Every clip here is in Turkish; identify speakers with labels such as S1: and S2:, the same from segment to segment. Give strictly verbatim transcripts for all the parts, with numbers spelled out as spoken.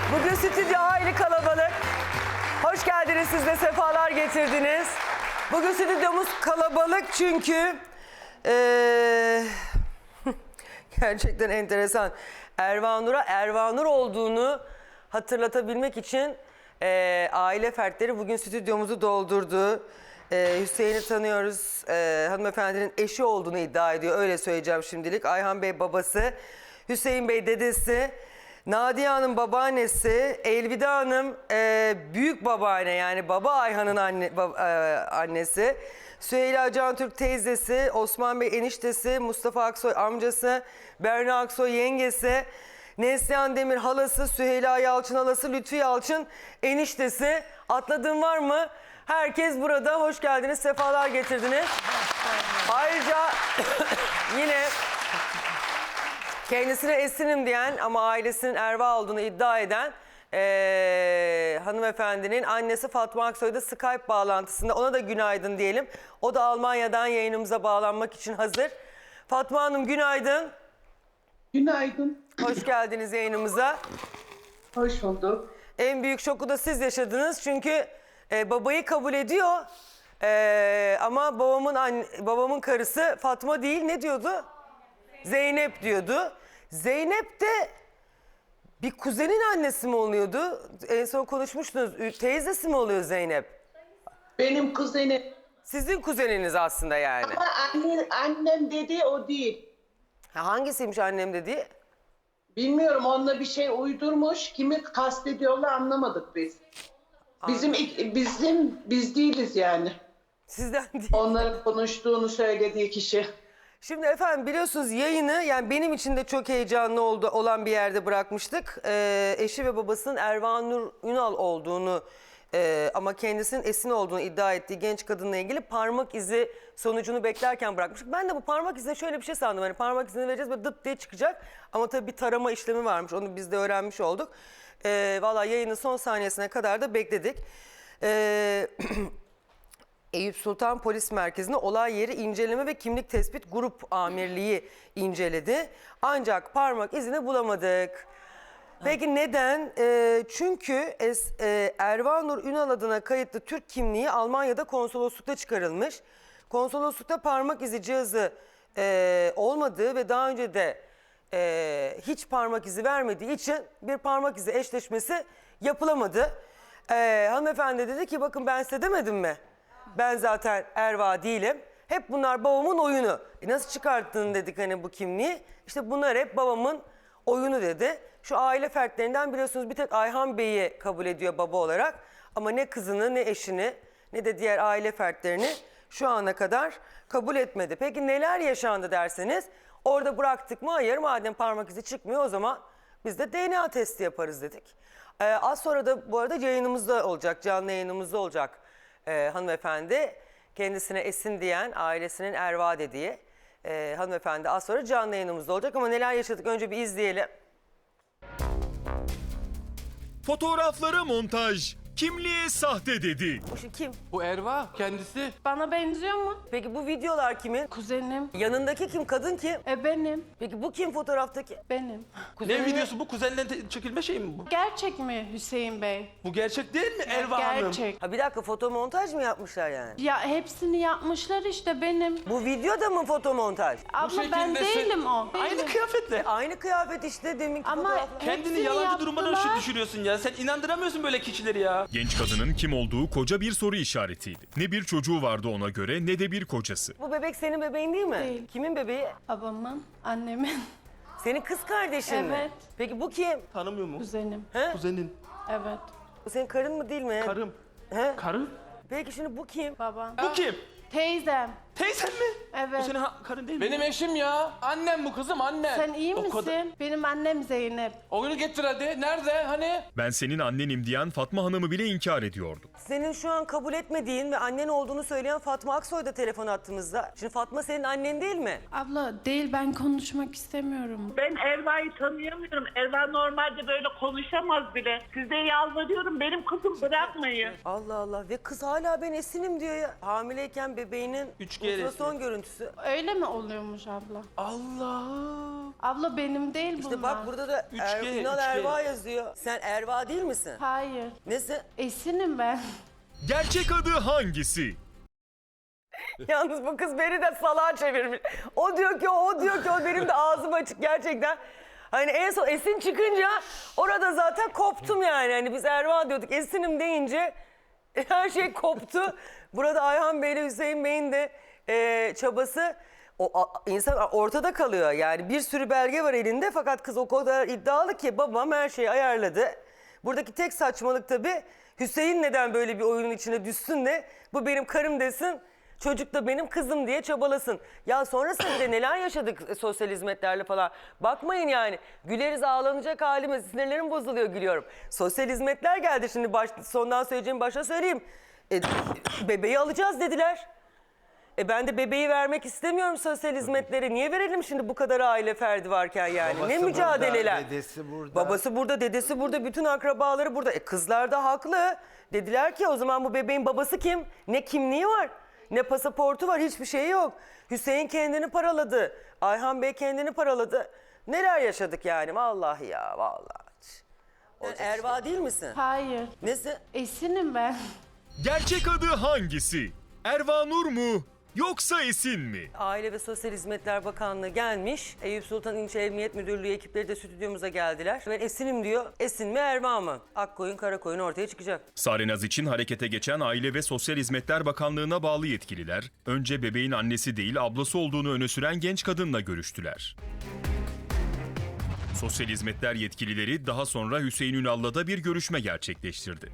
S1: Bugün stüdyo aile kalabalık. Hoş geldiniz, siz de sefalar getirdiniz. Bugün stüdyomuz kalabalık çünkü... Ee, gerçekten enteresan. Ervanur'a Ervanur olduğunu hatırlatabilmek için e, aile fertleri bugün stüdyomuzu doldurdu. E, Hüseyin'i tanıyoruz. E, hanımefendinin eşi olduğunu iddia ediyor. Öyle söyleyeceğim şimdilik. Ayhan Bey babası, Hüseyin Bey dedesi, Nadiye Hanım babaannesi, Elvida Hanım e, büyük babaanne, yani baba Ayhan'ın anne, bab, e, annesi. Süheyla Cantürk teyzesi, Osman Bey eniştesi, Mustafa Aksoy amcası, Berna Aksoy yengesi, Neslihan Demir halası, Süheyla Yalçın halası, Lütfi Yalçın eniştesi. Atladığım var mı? Herkes burada. Hoş geldiniz, sefalar getirdiniz. Ayrıca yine kendisine Esin'im diyen ama ailesinin Erva olduğunu iddia eden Ee, hanımefendinin annesi Fatma Aksoy da Skype bağlantısında. Ona da günaydın diyelim. O da Almanya'dan yayınımıza bağlanmak için hazır. Fatma Hanım günaydın.
S2: Günaydın.
S1: Hoş geldiniz yayınımıza.
S2: Hoş bulduk.
S1: En büyük şoku da siz yaşadınız çünkü e, babayı kabul ediyor. E, ama babamın anne, babamın karısı Fatma değil, ne diyordu? Zeynep diyordu. Zeynep de bir kuzenin annesi mi oluyordu? En son konuşmuştunuz. Teyzesi mi oluyor Zeynep?
S2: Benim kuzenim.
S1: Sizin kuzeniniz aslında yani.
S2: Ama anne, annem dediği o değil.
S1: Ha, hangisiymiş annem dediği?
S2: Bilmiyorum, onunla bir şey uydurmuş. Kimi kastediyorlar anlamadık biz. Bizim bizim biz değiliz yani.
S1: Sizden değil.
S2: Onların konuştuğunu söylediği kişi.
S1: Şimdi efendim biliyorsunuz yayını, yani benim için de çok heyecanlı oldu, olan bir yerde bırakmıştık. Ee, eşi ve babasının Ervanur Ünal olduğunu e, ama kendisinin Esin olduğunu iddia ettiği genç kadınla ilgili parmak izi sonucunu beklerken bırakmıştık. Ben de bu parmak izine şöyle bir şey sandım. Hani parmak izini vereceğiz ve dıt diye çıkacak. Ama tabii bir tarama işlemi varmış. Onu biz de öğrenmiş olduk. Ee, Valla yayının son saniyesine kadar da bekledik. Ee, Eyüp Sultan Polis Merkezi'nde olay yeri inceleme ve kimlik tespit grup amirliği inceledi. Ancak parmak izini bulamadık. Peki neden? Ee, çünkü es, e, Ervanur Ünal adına kayıtlı Türk kimliği Almanya'da konsoloslukta çıkarılmış. Konsoloslukta parmak izi cihazı e, olmadığı ve daha önce de e, hiç parmak izi vermediği için bir parmak izi eşleşmesi yapılamadı. E, hanımefendi dedi ki bakın ben size demedim mi? Ben zaten Erva değilim. Hep bunlar babamın oyunu. E nasıl çıkarttın dedik hani bu kimliği? İşte bunlar hep babamın oyunu dedi. Şu aile fertlerinden biliyorsunuz bir tek Ayhan Bey'i kabul ediyor baba olarak. Ama ne kızını ne eşini ne de diğer aile fertlerini şu ana kadar kabul etmedi. Peki neler yaşandı derseniz orada bıraktık mı? Hayır, madem parmak izi çıkmıyor o zaman biz de D N A testi yaparız dedik. Ee, az sonra da bu arada yayınımızda olacak, canlı yayınımızda olacak. Ee, hanımefendi kendisine Esin diyen ailesinin Erva dediği e, hanımefendi az sonra canlı yayınımızda olacak ama neler yaşadık önce bir izleyelim.
S3: Fotoğraflara montaj, kimliğe sahte dedi.
S1: Bu şu kim?
S4: Bu Erva kendisi.
S5: Bana benziyor mu?
S1: Peki bu videolar kimin?
S5: Kuzenim.
S1: Yanındaki kim? Kadın kim?
S5: E benim.
S1: Peki bu kim fotoğraftaki?
S5: Benim.
S4: Ne videosu bu? Kuzenle te- çekilme şey mi bu?
S5: Gerçek mi Hüseyin Bey?
S4: Bu gerçek değil mi Erva Hanım?
S5: Gerçek.
S1: Ha bir dakika, fotomontaj mı yapmışlar yani?
S5: Ya hepsini yapmışlar işte benim.
S1: Bu videoda mı fotomontaj?
S5: Abla ben
S4: şekilde se-
S5: değilim o.
S4: Aynı
S5: Değilim.
S4: kıyafetle.
S1: Aynı kıyafet işte deminki
S5: Ama
S1: fotoğraflar.
S4: Kendini
S5: hepsini
S4: yalancı durumuna
S5: yaptılar.
S4: düşürüyorsun ya. Sen inandıramıyorsun böyle kişileri ya.
S3: Genç kadının kim olduğu koca bir soru işaretiydi. Ne bir çocuğu vardı ona göre ne de bir kocası.
S1: Bu bebek senin bebeğin değil mi?
S5: Değil.
S1: Kimin bebeği?
S5: Babamın, annemin,
S1: Senin kız kardeşin mi?
S5: Evet.
S1: Peki bu kim?
S4: Tanımıyor mu?
S5: kuzenim.
S1: He?
S4: Kuzenin.
S5: Evet.
S1: Bu senin karın mı değil mi?
S4: Karım.
S1: He?
S4: Karım?
S1: Peki şimdi bu kim?
S5: Babam.
S4: Bu kim?
S5: Teyzem.
S4: Teyzen mi?
S5: Evet.
S4: O senin ha- karın değil mi?
S6: Benim eşim ya. Annem bu kızım annem.
S5: Sen iyi
S4: O
S5: misin?
S4: kadar-
S5: Benim annem Zeynep.
S6: Oyunu getir hadi. Nerede hani?
S3: Ben senin annenim diyen Fatma Hanım'ı bile inkar ediyordu.
S1: Senin şu an kabul etmediğin ve annen olduğunu söyleyen Fatma Aksoy da telefon attığımızda. Şimdi Fatma senin annen değil mi?
S5: Abla değil, ben konuşmak istemiyorum.
S7: Ben Erva'yı tanıyamıyorum. Erva normalde böyle konuşamaz bile. Size yalvarıyorum, benim kızım bırakmayın.
S1: Allah Allah, ve kız hala ben Esin'im diyor ya. Hamileyken bebeğinin
S4: üç
S1: bu
S4: G
S1: Bu da
S4: resmi.
S1: son görüntüsü.
S5: Öyle mi oluyormuş abla?
S4: Allah'ım.
S5: Abla benim değil bunlar.
S1: İşte bak burada da
S4: üç
S1: er,
S4: G,
S1: Ünal
S4: üç G.
S1: Erva yazıyor. Sen Erva değil misin?
S5: Hayır.
S1: Nesi?
S5: Esin'im ben.
S3: Gerçek adı hangisi?
S1: Yalnız bu kız beni de salağa çevirmiş. O diyor ki o, o diyor ki o, benim de ağzım açık gerçekten. Hani en son Esin çıkınca orada zaten koptum yani. Hani biz Erva diyorduk, Esin'im deyince her şey koptu. Burada Ayhan Bey ile Hüseyin Bey'in de e, çabası, o a, insan ortada kalıyor. Yani bir sürü belge var elinde fakat kız o kadar iddialı ki babam her şeyi ayarladı. Buradaki tek saçmalık tabii Hüseyin neden böyle bir oyunun içine düşsün de bu benim karım desin. Çocuk da benim kızım diye çabalasın. Ya sonrasında neler yaşadık sosyal hizmetlerle falan. Bakmayın yani. Güleriz, ağlanacak halimiz. Sinirlerim bozuluyor, gülüyorum. Sosyal hizmetler geldi şimdi. Baş, sondan söyleyeceğim başta söyleyeyim. E, bebeği alacağız dediler. E ben de bebeği vermek istemiyorum sosyal hizmetlere. Niye verelim şimdi bu kadar aile ferdi varken yani?
S8: Babası
S1: ne mücadeleler.
S8: burada, dedesi burada.
S1: Babası burada, dedesi burada, bütün akrabaları burada. E kızlar da haklı. Dediler ki o zaman bu bebeğin babası kim? Ne kimliği var? Ne pasaportu var, hiçbir şey yok. Hüseyin kendini paraladı. Ayhan Bey kendini paraladı. Neler yaşadık yani, vallahi ya, vallahi. Sen Erva değil misin?
S5: Hayır.
S1: Nesi?
S5: Esin'im ben.
S3: Gerçek adı hangisi? Erva Nur mu yoksa Esin mi?
S1: Aile ve Sosyal Hizmetler Bakanlığı gelmiş. Eyüp Sultan İlçe Emniyet Müdürlüğü ekipleri de stüdyomuza geldiler. Ben Esin'im diyor. Esin mi Erva mı? Akkoyun Karakoyun ortaya çıkacak.
S3: Sarenaz için harekete geçen Aile ve Sosyal Hizmetler Bakanlığı'na bağlı yetkililer, önce bebeğin annesi değil ablası olduğunu öne süren genç kadınla görüştüler. Sosyal hizmetler yetkilileri daha sonra Hüseyin Ünal'la da bir görüşme gerçekleştirdi.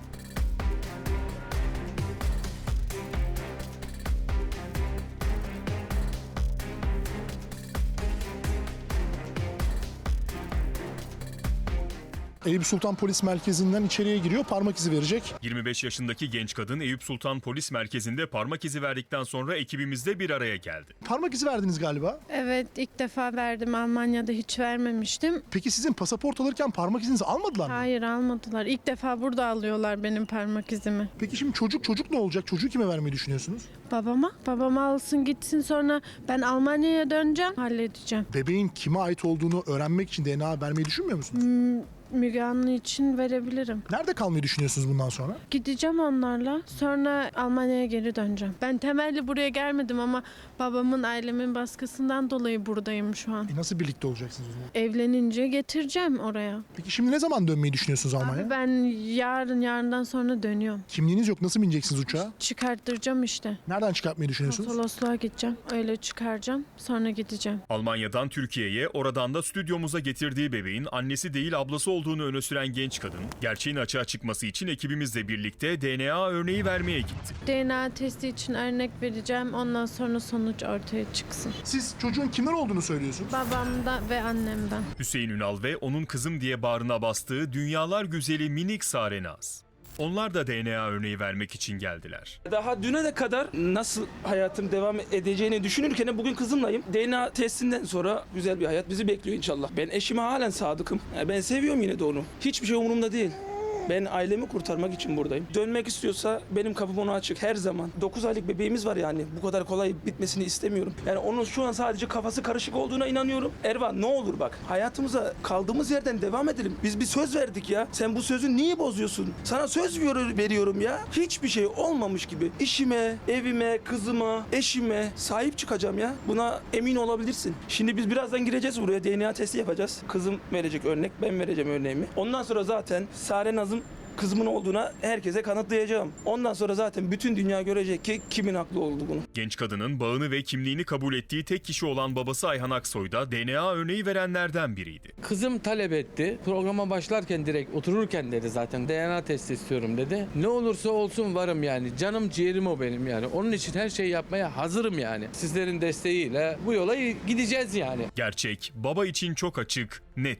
S9: Eyüp Sultan Polis Merkezi'nden içeriye giriyor, parmak izi verecek.
S3: yirmi beş yaşındaki genç kadın Eyüp Sultan Polis Merkezi'nde parmak izi verdikten sonra ekibimizle bir araya geldi.
S9: Parmak izi verdiniz galiba.
S5: Evet, ilk defa verdim. Almanya'da hiç vermemiştim.
S9: Peki sizin pasaport alırken parmak izinizi almadılar mı?
S5: Hayır, almadılar. İlk defa burada alıyorlar benim parmak izimi.
S9: Peki şimdi çocuk çocuk ne olacak? Çocuğu kime vermeyi düşünüyorsunuz?
S5: Babama. Babama alsın gitsin, sonra ben Almanya'ya döneceğim. Halledeceğim.
S9: Bebeğin kime ait olduğunu öğrenmek için D N A vermeyi düşünmüyor musunuz?
S5: Müge Anlı için verebilirim.
S9: Nerede kalmayı düşünüyorsunuz bundan sonra?
S5: Gideceğim onlarla. Sonra Almanya'ya geri döneceğim. Ben temelli buraya gelmedim ama babamın, ailemin baskısından dolayı buradayım şu an.
S9: E nasıl birlikte olacaksınız o zaman?
S5: Evlenince getireceğim oraya.
S9: Peki şimdi ne zaman dönmeyi düşünüyorsunuz Almanya'ya?
S5: Abi ben yarın, yarından sonra dönüyorum.
S9: Kimliğiniz yok. Nasıl bineceksiniz uçağa?
S5: Çıkarttıracağım işte.
S9: Nereden çıkartmayı düşünüyorsunuz?
S5: Konsolosluğa gideceğim. Öyle çıkaracağım. Sonra gideceğim.
S3: Almanya'dan Türkiye'ye, oradan da stüdyomuza getirdiği bebeğin annesi değil ablası olduğunu öne süren genç kadın, gerçeğin açığa çıkması için ekibimizle birlikte D N A örneği vermeye gitti.
S5: D N A testi için örnek vereceğim. Ondan sonra sonuç ortaya çıksın.
S9: Siz çocuğun kimler olduğunu söylüyorsunuz.
S5: Babamdan ve annemden.
S3: Hüseyin Ünal ve onun kızım diye bağrına bastığı dünyalar güzeli minik Sarenaz. Onlar da D N A örneği vermek için geldiler.
S4: Daha düne de kadar nasıl hayatım devam edeceğini düşünürken bugün kızımlayım. D N A testinden sonra güzel bir hayat bizi bekliyor inşallah. Ben eşime halen sadıkım. Yani ben seviyorum yine de onu. Hiçbir şey umurumda değil. Ben ailemi kurtarmak için buradayım. Dönmek istiyorsa benim kapım ona açık her zaman. dokuz aylık bebeğimiz var yani. Bu kadar kolay bitmesini istemiyorum. Yani onun şu an sadece kafası karışık olduğuna inanıyorum. Erva ne olur bak, hayatımıza kaldığımız yerden devam edelim. Biz bir söz verdik ya. Sen bu sözü niye bozuyorsun? Sana söz veriyorum ya. Hiçbir şey olmamış gibi. İşime, evime, kızıma, eşime sahip çıkacağım ya. Buna emin olabilirsin. Şimdi biz birazdan gireceğiz buraya. D N A testi yapacağız. Kızım verecek örnek, ben vereceğim örneğimi. Ondan sonra zaten Sarenaz'ın kızımın olduğuna herkese kanıtlayacağım. Ondan sonra zaten bütün dünya görecek ki kimin haklı olduğunu.
S3: Genç kadının bağını ve kimliğini kabul ettiği tek kişi olan babası Ayhan Aksoy da D N A örneği verenlerden biriydi.
S6: Kızım talep etti. Programa başlarken direkt otururken dedi zaten D N A testi istiyorum dedi. Ne olursa olsun varım yani. Canım ciğerim o benim yani. Onun için her şeyi yapmaya hazırım yani. Sizlerin desteğiyle bu yola gideceğiz yani.
S3: Gerçek baba için çok açık, netti.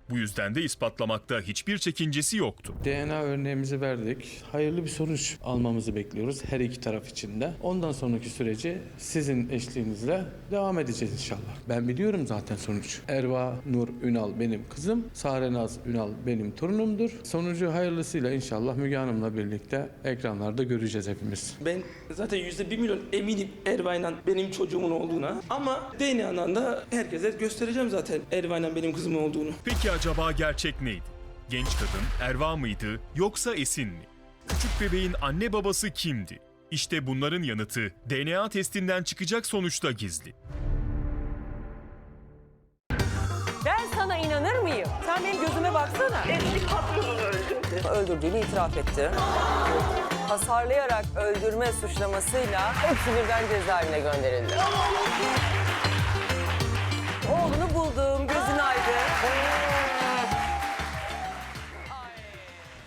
S3: Bu yüzden de ispatlamakta hiçbir çekincesi yoktu.
S6: D N A örneğimizi verdik. Hayırlı bir sonuç almamızı bekliyoruz her iki taraf için de. Ondan sonraki süreci sizin eşliğinizle devam edeceğiz inşallah. Ben biliyorum zaten sonuç. Erva Nur Ünal benim kızım. Sarenaz Ünal benim torunumdur. Sonucu hayırlısıyla inşallah Müge Hanım'la birlikte ekranlarda göreceğiz hepimiz.
S4: Ben zaten yüzde bir milyon eminim Erva'yla benim çocuğumun olduğuna. Ama D N A'dan da herkese göstereceğim zaten Erva'yla benim kızımın olduğunu.
S3: Peki acaba gerçek neydi? Genç kadın Erva mıydı yoksa Esin mi? Küçük bebeğin anne babası kimdi? İşte bunların yanıtı D N A testinden çıkacak sonuçta gizli.
S1: Ben sana inanır mıyım? Sen benim gözüme baksana.
S7: Eski patronunu öldürdü.
S1: Öldürdüğünü itiraf etti. Hasarlayarak öldürme suçlamasıyla hepsi birden cezaevine gönderildi.